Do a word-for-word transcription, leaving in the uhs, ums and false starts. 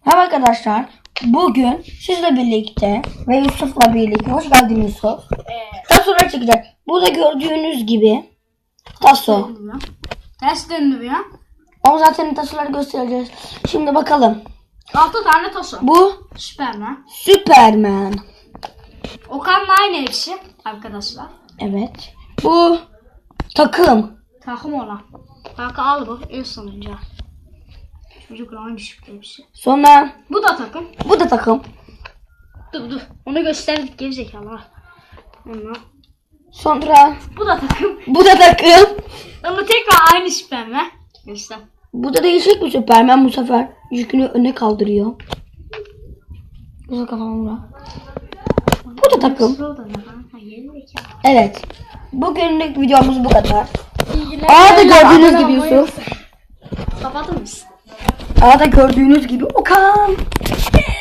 Merhaba arkadaşlar. Bugün sizle birlikte ve Yusuf'la birlikte, hoş geldin Yusuf. Evet. Tasolar çekeceğiz. Burada gördüğünüz gibi taso. Ters döndürüyor. Ama zaten tasoları göstereceğiz. Şimdi bakalım. Altı tane taso. Bu Süpermen. Süperman. Okan'la aynı hepsi arkadaşlar. Evet. Bu takım. Takım olan. Kanka al bu en sonuncu. Çocukla aynı şıkkı hepsi. Sonra Bu da takım. bu da takım. Dur dur. Onu gösterdik gerizekalı. Onunla. Sonra Bu da takım. bu da takım. Ama tekrar aynı Süpermen. Göster. Bu da değişik bir Süperman, bu sefer yükünü öne kaldırıyor. Bu da kafamda. Bu da takım. Evet. Bugünlük videomuz bu kadar. A'da gördüğünüz gibi Yusuf. Kapatır mısın? A'da gördüğünüz gibi Okan.